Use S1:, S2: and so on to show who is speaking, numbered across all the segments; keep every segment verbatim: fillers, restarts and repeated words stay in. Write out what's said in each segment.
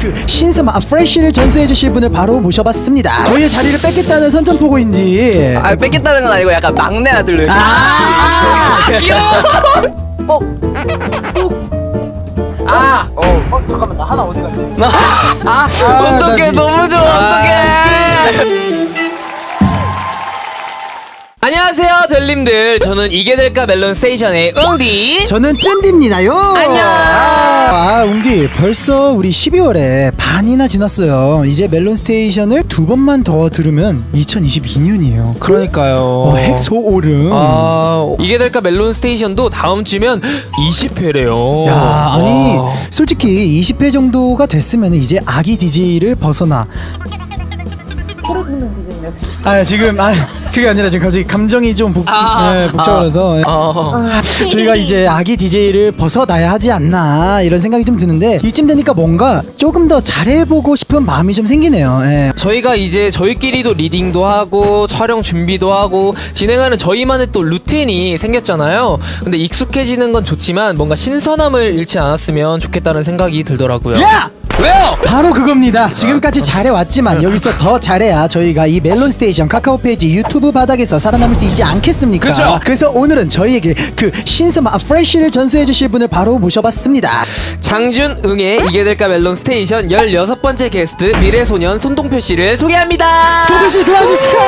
S1: 그 신선한 아, 프레쉬를 전수해 주실 분을 바로 모셔봤습니다. 저희의 자리를 뺏겠다는 선전포고인지.
S2: 아 뺏겠다는 건 아니고 약간 막내 아들로 이렇게.
S1: 아,
S2: 귀여워.
S1: 어.
S2: 아,
S1: 어, 어 잠깐만 나 하나 어디 갔지?
S2: 아, 어떡해, 너무 좋아, 어떡해.
S3: 안녕하세요 델님들, 저는 이게 될까 멜론 스테이션의 웅디.
S1: 저는 쫀디입니다요.
S3: 안녕.
S1: 아, 웅디 벌써 우리 십이월에 반이나 지났어요. 이제 멜론 스테이션을 두 번만 더 들으면 이천이십이 년이에요.
S3: 그러니까요.
S1: 어, 핵소오름.
S3: 아, 이게 될까 멜론 스테이션도 다음 주면 이십 회래요.
S1: 야, 아니 솔직히 이십 회 정도가 됐으면 이제 아기 디제이를 벗어나. 아 지금 아 그게 아니라 지금 갑자기 감정이 좀 복,
S3: 아,
S1: 네, 복잡해서
S3: 어.
S1: 저희가 이제 아기 디제이를 벗어나야 하지 않나 이런 생각이 좀 드는데 이쯤 되니까 뭔가 조금 더 잘해보고 싶은 마음이 좀 생기네요. 예.
S3: 저희가 이제 저희끼리도 리딩도 하고 촬영 준비도 하고 진행하는 저희만의 또 루틴이 생겼잖아요. 근데 익숙해지는 건 좋지만 뭔가 신선함을 잃지 않았으면 좋겠다는 생각이 들더라고요.
S1: 야!
S3: 왜요?
S1: 바로 그겁니다. 지금까지 잘해왔지만 여기서 더 잘해야 저희가 이 멜론 스테이션 카카오 페이지 유튜브 바닥에서 살아남을 수 있지 않겠습니까?
S3: 그쵸.
S1: 그래서 오늘은 저희에게 그 신선한 아, 프레쉬를 전수해 주실 분을 바로 모셔봤습니다.
S3: 장준응의 이게 될까 멜론 스테이션 열여섯 번째 게스트 미래소년 손동표 씨를 소개합니다.
S1: 동표씨 도와주세요.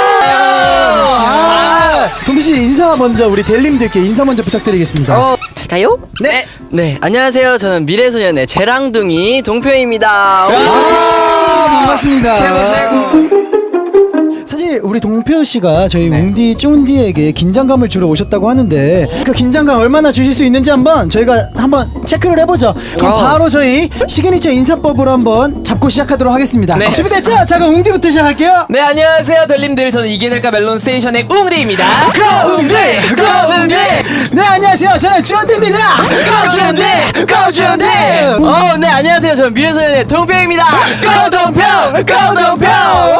S1: 아, 동표씨 인사 먼저 우리 델님들께 인사 먼저 부탁드리겠습니다.
S2: 어, 갈까요?
S3: 네.
S2: 네, 안녕하세요. 저는 미래소년의 재랑둥이 동표입니다.
S1: 아, 반갑습니다.
S3: 최고 최고.
S1: 사실 우리 동표 씨가 저희
S2: 네.
S1: 웅디 쭝디에게 긴장감을 주러 오셨다고 하는데 그 긴장감 얼마나 주실 수 있는지 한번 저희가 한번 체크를 해보죠. 그럼
S2: 어.
S1: 바로 저희 시그니처 인사법으로 한번 잡고 시작하도록 하겠습니다.
S3: 네.
S1: 준비됐죠? 자 그럼 웅디부터 시작할게요.
S3: 네, 안녕하세요 델님들, 저는 이게 될까 멜론 스테이션의 웅디입니다.
S1: 고 웅디! 고 웅디! 네 안녕하세요. 저는 쭝디입니다. 고 쭝디! 고 쭝디!
S2: 어, 네, 안녕하세요. 저는 미래소년의 동표입니다.
S1: 고 동표! 고 동표!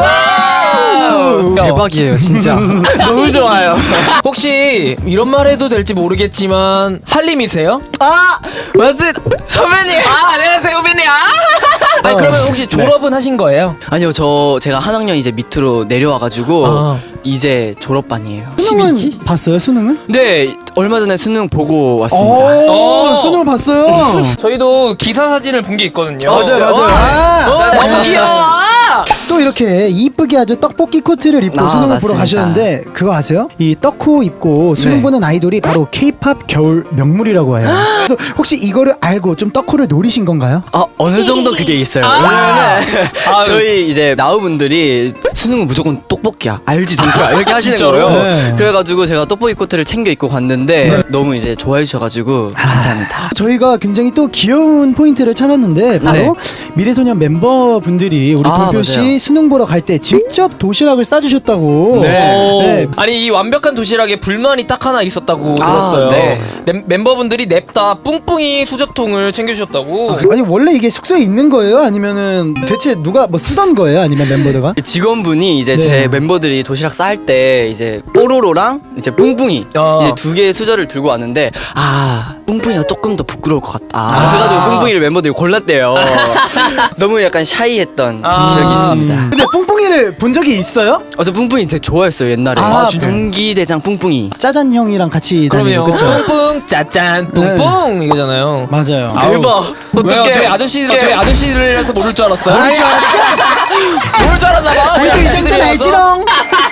S2: 대박이에요, 진짜. 너무 좋아요.
S3: 혹시 이런 말 해도 될지 모르겠지만 한림이세요?
S2: 아, 맞습니다. 선배님.
S3: 아, 안녕하세요 후배님. 아. 아니 그러면 혹시 졸업은 하신 거예요?
S2: 아니요, 저 제가 한 학년 이제 밑으로 내려와가지고
S3: 아.
S2: 이제 졸업반이에요.
S1: 수능은 봤어요? 수능은?
S2: 네, 얼마 전에 수능 보고
S1: 오,
S2: 왔습니다.
S3: 어.
S1: 수능을 봤어요.
S3: 저희도 기사 사진을 본 게 있거든요.
S2: 어, 진짜요?
S1: 아,
S3: 어, 너무
S1: 네.
S3: 귀여워.
S1: 또 이렇게 이쁘게 아주 떡볶이 코트를 입고
S2: 아,
S1: 수능을
S2: 맞습니다.
S1: 보러 가셨는데 그거 아세요? 이 떡코 입고 수능
S2: 네.
S1: 보는 아이돌이 바로 케이팝 겨울 명물이라고 해요. 그래서 혹시 이거를 알고 좀 떡코를 노리신 건가요?
S2: 아, 어느 정도 그게 있어요.
S3: 아.
S2: 왜냐면은
S3: 아유.
S2: 저희 이제 나우분들이 수능은 무조건 떡볶이야, 알지 동표야 이렇게 하시는
S3: 진짜로요?
S2: 거예요.
S1: 네.
S2: 그래가지고 제가 떡볶이 코트를 챙겨 입고 갔는데 너무 이제 좋아해 주셔가지고 감사합니다.
S1: 저희가 굉장히 또 귀여운 포인트를 찾았는데 바로
S2: 네.
S1: 미래소년 멤버분들이 우리
S2: 아,
S1: 동표 씨
S2: 맞아요.
S1: 수능 보러 갈 때 직접 도시락을 싸주셨다고.
S2: 네.
S3: 오.
S1: 네.
S3: 아니 이 완벽한 도시락에 불만이 딱 하나 있었다고
S2: 아,
S3: 들었어요.
S2: 네.
S3: 멤- 멤버분들이 냅다 뿡뿡이 수저통을 챙겨주셨다고.
S1: 아니 원래 이게 숙소에 있는 거예요? 아니면은 대체 누가 뭐 쓰던 거예요? 아니면 멤버들가?
S2: 직원분이 이제
S1: 네.
S2: 제 멤버들이 도시락 쌀 때 이제 뽀로로랑 이제 뿡뿡이
S3: 어.
S2: 이제 두 개의 수저를 들고 왔는데 아 뿡뿡이가 조금 더 부끄러울 것 같다.
S3: 아.
S2: 그래가지고 뿡뿡이를 멤버들이 골랐대요. 너무 약간 샤이했던
S3: 아.
S2: 기억이 있습니다.
S1: 음. 근데 뿡뿡이를 본 적이 있어요?
S2: 아, 저 뿡뿡이 되게 좋아했어요 옛날에.
S1: 아, 진짜요?
S2: 경기대장 뿡뿡이.
S1: 짜잔 형이랑 같이 다니고
S3: 그럼요.
S1: 그쵸?
S3: 뿡뿡 짜짠 뿡뿡 이거잖아요.
S1: 맞아요.
S3: 아우.
S2: 대박.
S3: 왜요?
S2: 어떡해.
S3: 저희 아저씨들 저희 아저씨들이라서 모를 줄 알았어요.
S1: 모를 줄 알았죠?
S3: 모를 줄 알았나봐. 우리
S1: 우리도 이 정도는
S3: 아저씨들이라서.
S1: 알지롱.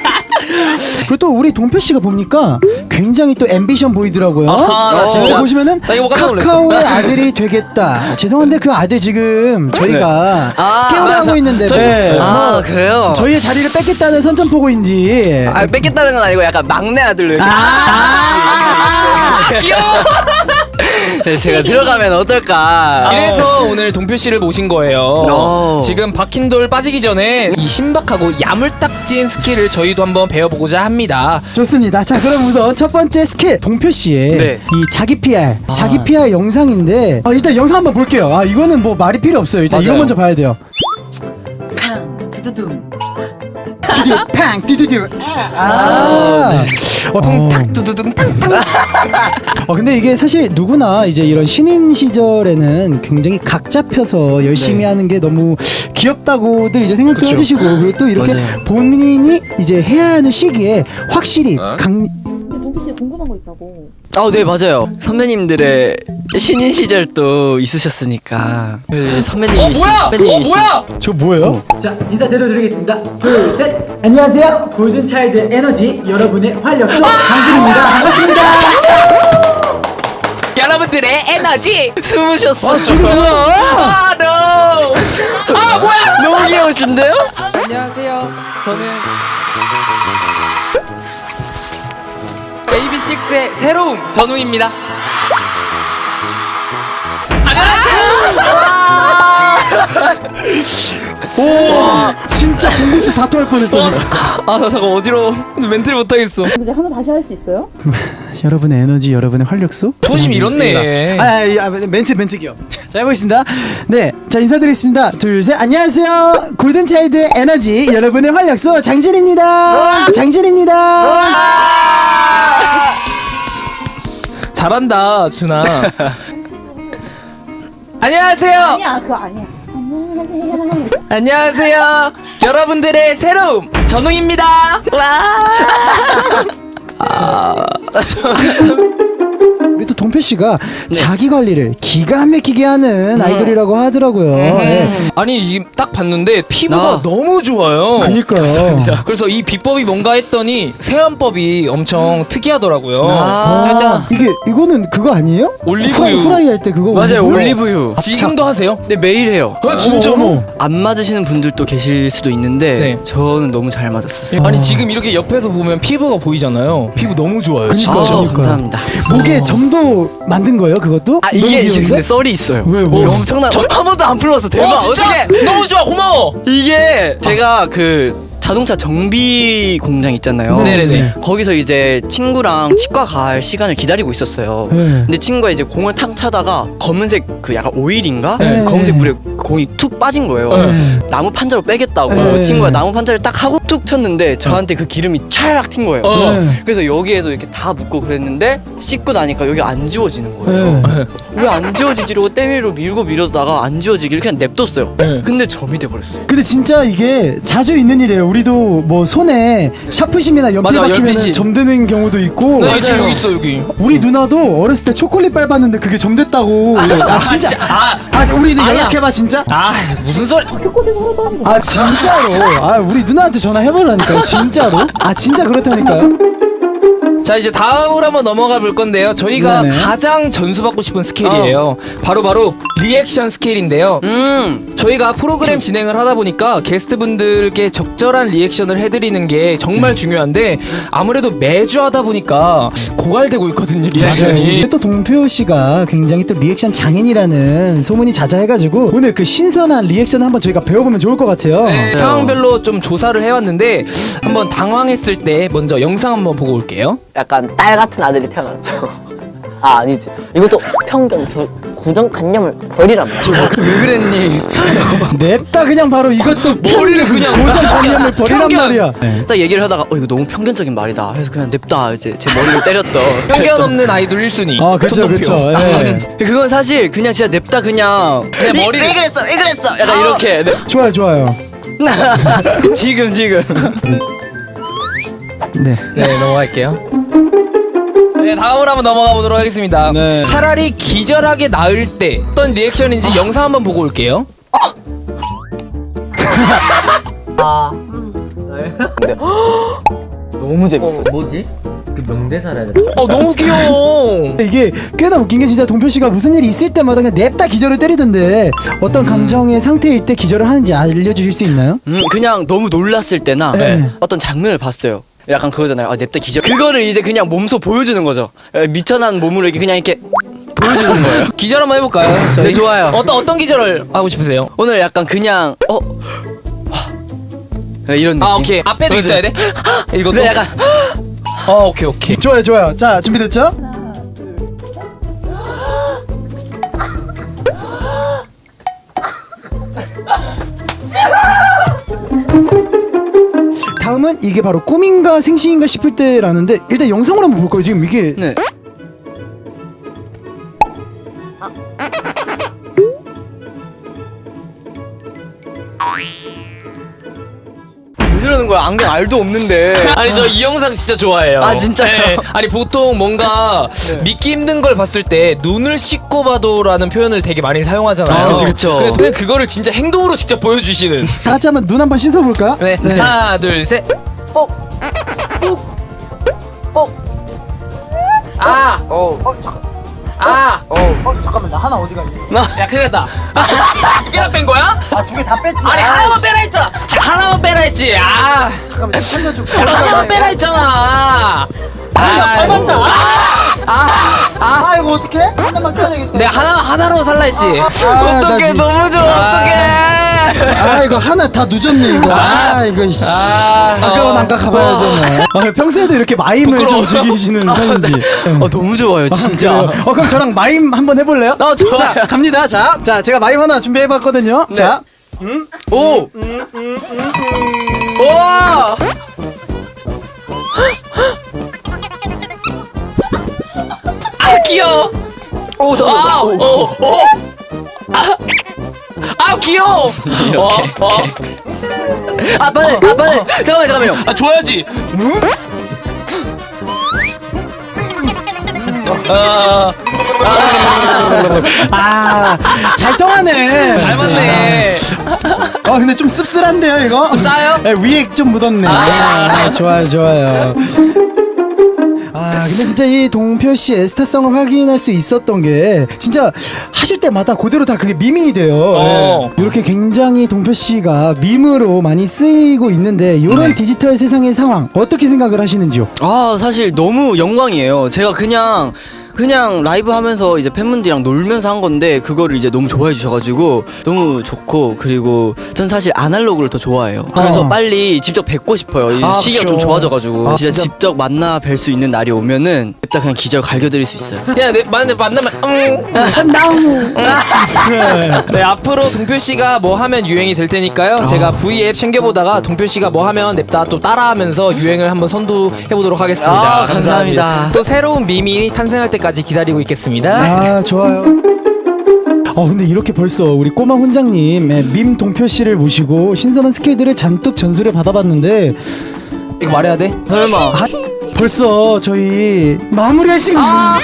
S1: 그리고 또 우리 동표 씨가 보니까 굉장히 또 앰비션 보이더라고요.
S3: 아하, 나 진짜.
S1: 어, 보시면은
S3: 나 이거 깜짝 놀랐어.
S1: 카카오의 아들이 되겠다. 죄송한데 그 아들 지금 저희가
S2: 아,
S1: 깨우려
S3: 아,
S1: 하고
S3: 저-
S1: 있는데
S3: 저-
S1: 네.
S2: 아
S1: 뭐
S2: 그래요?
S1: 저희의 자리를 뺏겠다는 선전포고인지.
S2: 아 뺏겠다는 건 아니고 약간 막내 아들로 이렇게.
S1: 아,
S3: 귀여워.
S2: 네, 제가 들어가면 어떨까?
S3: 이래서 오늘 동표 씨를 모신 거예요.
S2: 오.
S3: 지금 박힌돌 빠지기 전에 이 신박하고 야물딱진 스킬을 저희도 한번 배워보고자 합니다.
S1: 좋습니다. 자 그럼 우선 첫 번째 스킬 동표 씨의
S2: 네.
S1: 이 자기 피알
S2: 아.
S1: 자기 피알 영상인데 아, 일단 영상 한번 볼게요. 아 이거는 뭐 말이 필요 없어요. 일단 이거
S2: 맞아요.
S1: 먼저 봐야 돼요. 뚜두 팡 뚜두두. 아. 어,
S3: 쿵탁 두두둥 탕탕.
S1: 어 근데 이게 사실 누구나 이제 이런 신인 시절에는 굉장히 각 잡혀서 열심히
S2: 네.
S1: 하는 게 너무 귀엽다고들 이제 생각도
S2: 그쵸.
S1: 해주시고 그리고 또 이렇게
S2: 맞아요.
S1: 본인이 이제 해야 하는 시기에 확실히 강
S4: 동피 씨 궁금한 거 있다고.
S2: 아, 네, 맞아요. 선배님들의 신인 시절 또 있으셨으니까. 그 선배님이
S3: 어 뭐야? 어
S2: 선배님이시-
S3: 뭐야?
S1: 저 뭐예요?
S5: 자, 인사드려드리겠습니다. 둘, 셋. 안녕하세요. 골든차일드 에너지 여러분의 활력소 강준입니다. 반갑습니다.
S3: 여러분들의 에너지.
S2: 숨으셨어.
S1: 아 저기 뭐야?
S3: 아 no. 아 뭐야?
S2: 너무 귀여우신데요?
S6: 안녕하세요. 저는 에이비식스의 새로운 전웅입니다.
S1: 오 진짜 공국수 다투할 뻔했어. 지금.
S6: 아, 나 잠깐 어지러워. 멘트를 못하겠어.
S4: 이제 한번 다시 할 수 있어요?
S1: 여러분의 에너지, 여러분의 활력소.
S3: 초심 잃었네.
S1: 아, 아, 아, 멘트 멘트기요. 자 해보겠습니다. 네, 자 인사드리겠습니다. 둘, 셋. 안녕하세요. 골든차일드 에너지 여러분의 활력소 장진입니다. 장진입니다.
S6: 잘한다, 준아. 안녕하세요.
S4: 아니야, 그거 아니야. 안녕하세요.
S6: 안녕하세요. 여러분들의 새로운 전웅입니다. 와.
S1: 우리 또 동표 씨가 자기 관리를 기가 막히게 하는 아이돌이라고 하더라고요. 예.
S6: 아니, 지금 딱 봤는데 피부가
S2: 아.
S6: 너무 좋아요.
S1: 그니까요.
S6: 그래서 이 비법이 뭔가 했더니 세안법이 엄청 특이하더라고요.
S2: 아.
S1: 이게 이거는 그거 아니에요?
S6: 올리브유.
S1: 후라이, 후라이 할 때 그거
S2: 맞아요,
S1: 올리브유?
S2: 올리브유.
S6: 지금도 하세요?
S2: 네, 매일 해요.
S1: 아, 진짜로? 어머.
S2: 안 맞으시는 분들도 계실 수도 있는데
S6: 네.
S2: 저는 너무 잘 맞았었어요.
S6: 아니, 지금 이렇게 옆에서 보면 피부가 보이잖아요. 피부 너무 좋아요.
S1: 그니까.
S2: 아,
S1: 그러니까요.
S2: 감사합니다.
S1: 목에 점도 만든 거예요, 그것도?
S2: 아,
S1: 너무
S2: 이게 이게
S1: 귀여운데?
S2: 근데 썰이 있어요.
S1: 왜, 왜?
S2: 어, 엄청나. 저 한 번도 안 풀었어. 대박.
S6: 어, 진짜
S2: 어떻게?
S6: 너무 좋아. 고마워.
S2: 이게 제가 그 자동차 정비 공장 있잖아요.
S6: 네네네.
S2: 거기서 이제 친구랑 치과 갈 시간을 기다리고 있었어요.
S1: 네.
S2: 근데 친구가 이제 공을 탁 차다가 검은색 그 약간 오일인가?
S1: 네.
S2: 검은색 물에 공이 툭 빠진 거예요.
S1: 네.
S2: 나무 판자로 빼겠다고
S1: 네.
S2: 친구가 나무 판자를 딱 하고 툭 쳤는데 저한테 그 기름이 찰락 튄 거예요.
S6: 어.
S1: 네.
S2: 그래서 여기에도 이렇게 다 묻고 그랬는데 씻고 나니까 여기 안 지워지는 거예요.
S1: 네.
S2: 왜 안 지워지지? 이러고 때밀로 밀고 밀었다가 안 지워지길 그냥 냅뒀어요.
S6: 네.
S2: 근데 점이 돼버렸어요.
S1: 근데 진짜 이게 자주 있는 일이에요. 우리도 뭐 손에 샤프심이나 연필
S6: 맞아,
S1: 박히면
S6: 연필심.
S1: 점드는 경우도 있고.
S6: 나 지금 여기 있어, 여기.
S1: 우리 누나도 어렸을 때 초콜릿 밟았는데 그게 점됐다고. 아 진짜.
S6: 아,
S1: 아 우리는
S6: 아니야.
S1: 연락해봐 진짜.
S6: 아, 무슨 소리?
S4: 곳곳에서 하나도 하는 거.
S1: 아 진짜로. 아 우리 누나한테 전화해보라니까요. 진짜로. 아 진짜 그렇다니까요.
S6: 자, 이제 다음으로 한번 넘어가 볼 건데요. 저희가
S1: 네네.
S6: 가장 전수받고 싶은 스케일이에요. 바로 바로 리액션 스케일인데요.
S2: 음.
S6: 저희가 프로그램 진행을 하다 보니까 게스트분들께 적절한 리액션을 해드리는 게 정말 중요한데 아무래도 매주 하다 보니까 고갈되고 있거든요,
S1: 맞아요.
S6: 리액션이.
S1: 이제 또 동표 씨가 굉장히 또 리액션 장인이라는 소문이 자자해가지고 오늘 그 신선한 리액션 한번 저희가 배워보면 좋을 것 같아요.
S6: 네, 상황별로 좀 조사를 해왔는데 한번 당황했을 때 먼저 영상 한번 보고 올게요.
S7: 약간 딸 같은 아들이 태어났죠. 아 아니지. 이것도 편견, 구, 고정관념을 버리란 말이야.
S2: 왜 그랬니?
S1: 냅다 그냥 바로 이것도 머리를 그냥 고정관념을 버리란
S6: 편견.
S1: 말이야.
S2: 딱 얘기를 하다가 어 이거 너무 편견적인 말이다. 그래서 그냥 냅다 이제 제 머리를 때렸던.
S6: 편견 없는 아이돌 일 순위.
S1: 아 그쵸
S6: 손동표.
S1: 그쵸. 예.
S2: 그건 사실 그냥 진짜 냅다 그냥
S6: 그냥
S2: 이-
S6: 머리를-
S2: 왜 그랬어 왜 그랬어 약간 이렇게 네.
S1: 좋아요 좋아요.
S2: 지금 지금
S1: 네.
S6: 네, 넘어갈게요. 네, 다음으로 한번 넘어가 보도록 하겠습니다.
S1: 네.
S6: 차라리 기절하게 나을 때 어떤 리액션인지 영상 한번 보고 올게요.
S7: 너무 재밌어.
S8: 뭐지? 그 명대사라 해야
S6: 어, 너무 귀여워.
S1: 이게 꽤나 웃긴 게 진짜 동표 씨가 무슨 일이 있을 때마다 그냥 냅다 기절을 때리던데 어떤 감정의 상태일 때 기절을 하는지 알려주실 수 있나요?
S2: 음, 그냥 너무 놀랐을 때나
S1: 네.
S2: 어떤 장면을 봤어요. 약간 그거잖아요. 아 냅다 기절. 그거를 이제 그냥 몸소 보여주는 거죠. 에, 미천한 몸으로 이렇게 그냥 이렇게 보여주는 거예요.
S6: 기절 한번 해볼까요? 저희?
S2: 네, 좋아요.
S6: 어떤 어떤 기절을 하고 싶으세요?
S2: 오늘 약간 그냥 어 하, 네, 이런 느낌.
S6: 아, 오케이. 앞에도
S2: 그렇지.
S6: 있어야 돼. 이것도.
S2: 근데 약간
S6: 어, 오케이 오케이.
S1: 좋아요 좋아요. 자 준비됐죠? 다음은 이게 바로 꿈인가 생시인가 싶을 때라는데 일단 영상으로 한번 볼까요? 지금 이게
S2: 네. 왜 이러는 거야? 안경 알도 없는데.
S3: 아니 저 이 영상 진짜 좋아해요.
S2: 아, 진짜요?
S3: 네. 아니 보통 뭔가 믿기 힘든 걸 봤을 때 눈을 씻고 봐도라는 표현을 되게 많이 사용하잖아요.
S2: 아, 그쵸, 그쵸.
S3: 근데 그냥 그거를 진짜 행동으로 직접 보여주시는.
S1: 다 같이 한번 눈 한번 씻어볼까요?
S3: 네. 하나 둘 셋. 뽁. 뽁. 아.
S2: 어.
S3: 아.
S1: 어 잠깐만 나 하나 어디 갔니?
S3: 야 큰일 났다. 두 개나 뺀 거야?
S1: 아 두 개 다 뺐지.
S3: 아니 하나만 빼라 했잖아. 하나만 빼라 했지. 아.
S1: 잠깐만 찾아 좀.
S3: 야, 하나만 빼라 했잖아. 아,
S1: 닮았다.
S3: 아, 아,
S1: 아 이거 어떻게? 하나만 껴야 되겠다.
S3: 내가 하나 하나로 살라 했지.
S1: 아,
S2: 어떡해,
S1: 나 니-
S2: 너무 좋아, 어떡해.
S1: 아 이거 하나 다 늦었네 이거. 아 이거 씨.
S3: 아,
S1: 아까운
S3: 어.
S1: 안가 가봐야죠. 뭐. 아, 평소에도 이렇게 마임을
S3: 부끄러워.
S1: 좀 즐기시는 편인지.
S2: 어, 너무 좋아요, 진짜.
S1: 그래요? 어 그럼 저랑 마임 한번 해볼래요?
S2: 어, 좋아요.
S1: 자 갑니다. 자, 자 제가 마임 하나 준비해봤거든요. 자,
S2: 오! 와!
S3: 아 귀여워.
S2: 오, 저,
S3: 아,
S2: 오,
S3: 오, 오. 아, 아 귀여워. 어, 어.
S2: 아, 빨리, 아, 빨리. 잠깐만요, 잠깐만요.
S3: 아 줘야지. 아,
S1: 아잘 통하네.
S3: 잘 맞네.
S1: 어 근데 좀 씁쓸한데요 이거?
S3: 좀 짜요?
S1: 네, 위에 좀 묻었네. 아, 좋아요 좋아요. 아 근데 진짜 이 동표 씨의 스타성을 확인할 수 있었던 게 진짜 하실 때마다 그대로 다 그게 밈이 돼요.
S3: 어.
S1: 네. 이렇게 굉장히 동표 씨가 밈으로 많이 쓰이고 있는데 이런 디지털 세상의 상황 어떻게 생각을 하시는지요?
S2: 아, 사실 너무 영광이에요. 제가 그냥 그냥 라이브 하면서 이제 팬분들이랑 놀면서 한 건데 그거를 이제 너무 좋아해 주셔가지고 너무 좋고, 그리고 전 사실 아날로그를 더 좋아해요. 그래서
S1: 어.
S2: 빨리 직접 뵙고 싶어요. 이
S1: 아,
S2: 시기가
S1: 그쵸.
S2: 좀 좋아져가지고
S1: 아,
S2: 진짜,
S1: 진짜.
S2: 직접 만나 뵐 수 있는 날이 오면은 일단 그냥 기절 갈겨드릴 수 있어요.
S3: 야, 내 만나 만나면 음.
S1: 나무.
S3: 네, 앞으로 동표 씨가 뭐 하면 유행이 될 테니까요. 제가 V 앱 챙겨보다가 동표 씨가 뭐 하면 냅다 또 따라하면서 유행을 한번 선도해 보도록 하겠습니다.
S2: 아, 감사합니다.
S3: 또 새로운 밈이 탄생할 때까지 기다리고 있겠습니다.
S1: 아 좋아요. 어 근데 이렇게 벌써 우리 꼬마 훈장님 예, 밈 동표 씨를 모시고 신선한 스킬들을 잔뜩 전수를 받아봤는데
S3: 이거 말해야 돼?
S2: 설마.
S1: 아, 벌써 저희 마무리할 시간.
S3: 아.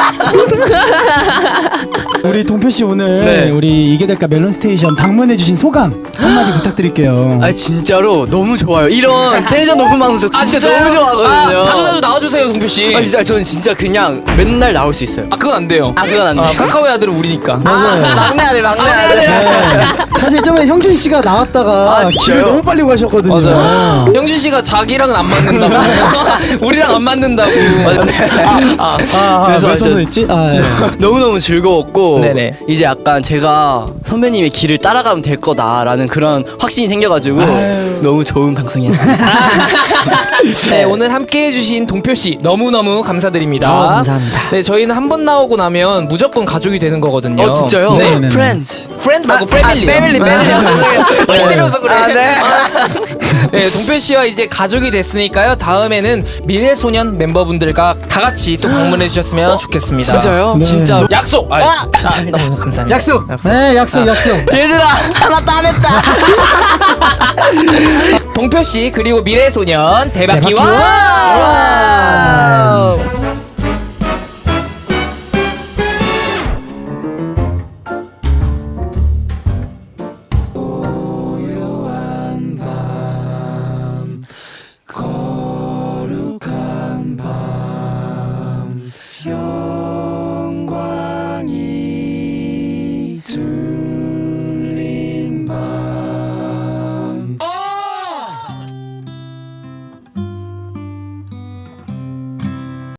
S1: 우리 동표 씨 오늘
S2: 네.
S1: 우리 이게 될까 멜론 스테이션 방문해주신 소감 한마디 부탁드릴게요.
S2: 아, 진짜로 너무 좋아요. 이런 텐션 높은 방송 저 진짜
S3: 진짜요?
S2: 너무 좋아하거든요.
S3: 아, 자주 자주 나와주세요, 동표 씨.
S2: 아, 진짜 저는 진짜 그냥 맨날 나올 수 있어요.
S3: 아, 그건 안 돼요.
S2: 아, 그건 안 돼.
S3: 아, 카카오의 아들은 우리니까.
S1: 맞아요.
S2: 막내 아들, 막내 아들.
S1: 네. 사실 저번에 형준 씨가 나왔다가
S2: 아, 진짜요?
S1: 길을 너무 빨리 가셨거든요.
S3: 맞아요. 형준 씨가 자기랑은 안 맞는다고. 우리랑 안 맞는다고.
S1: 아, 아,
S2: 그래서
S1: 왜
S2: 저-
S1: 서서 했지? 아, 예.
S2: 너무너무 즐거웠고
S3: 네네.
S2: 이제 약간 제가 선배님의 길을 따라가면 될 거다라는 그런 확신이 생겨가지고 너무 좋은 방송이었습니다.
S3: 네, 오늘 함께 해주신 동표 씨 너무너무 감사드립니다.
S2: 아, 감사합니다.
S3: 네, 저희는 한 번 나오고 나면 무조건 가족이 되는 거거든요.
S2: 어, 진짜요?
S3: 네.
S1: 네.
S2: 프렌즈.
S3: 프렌드 말고 패밀리.
S2: 패밀리, 패밀리.
S3: 빨리 때려서 그래.
S2: 아, 네.
S3: 네, 동표 씨와 이제 가족이 됐으니까요. 다음에는 미래소년 멤버분들과 다 같이 또 방문해 주셨으면 좋겠습니다.
S2: 진짜요?
S1: 네.
S3: 진짜 약속. 아,
S2: 와!
S3: 아, 너무 감사합니다.
S1: 약속. 네, 약속, 약속.
S2: 얘들아 하나 따냈다.
S3: 동표 씨 그리고 미래소년 대박
S1: 대박
S3: 기원.
S1: 기원.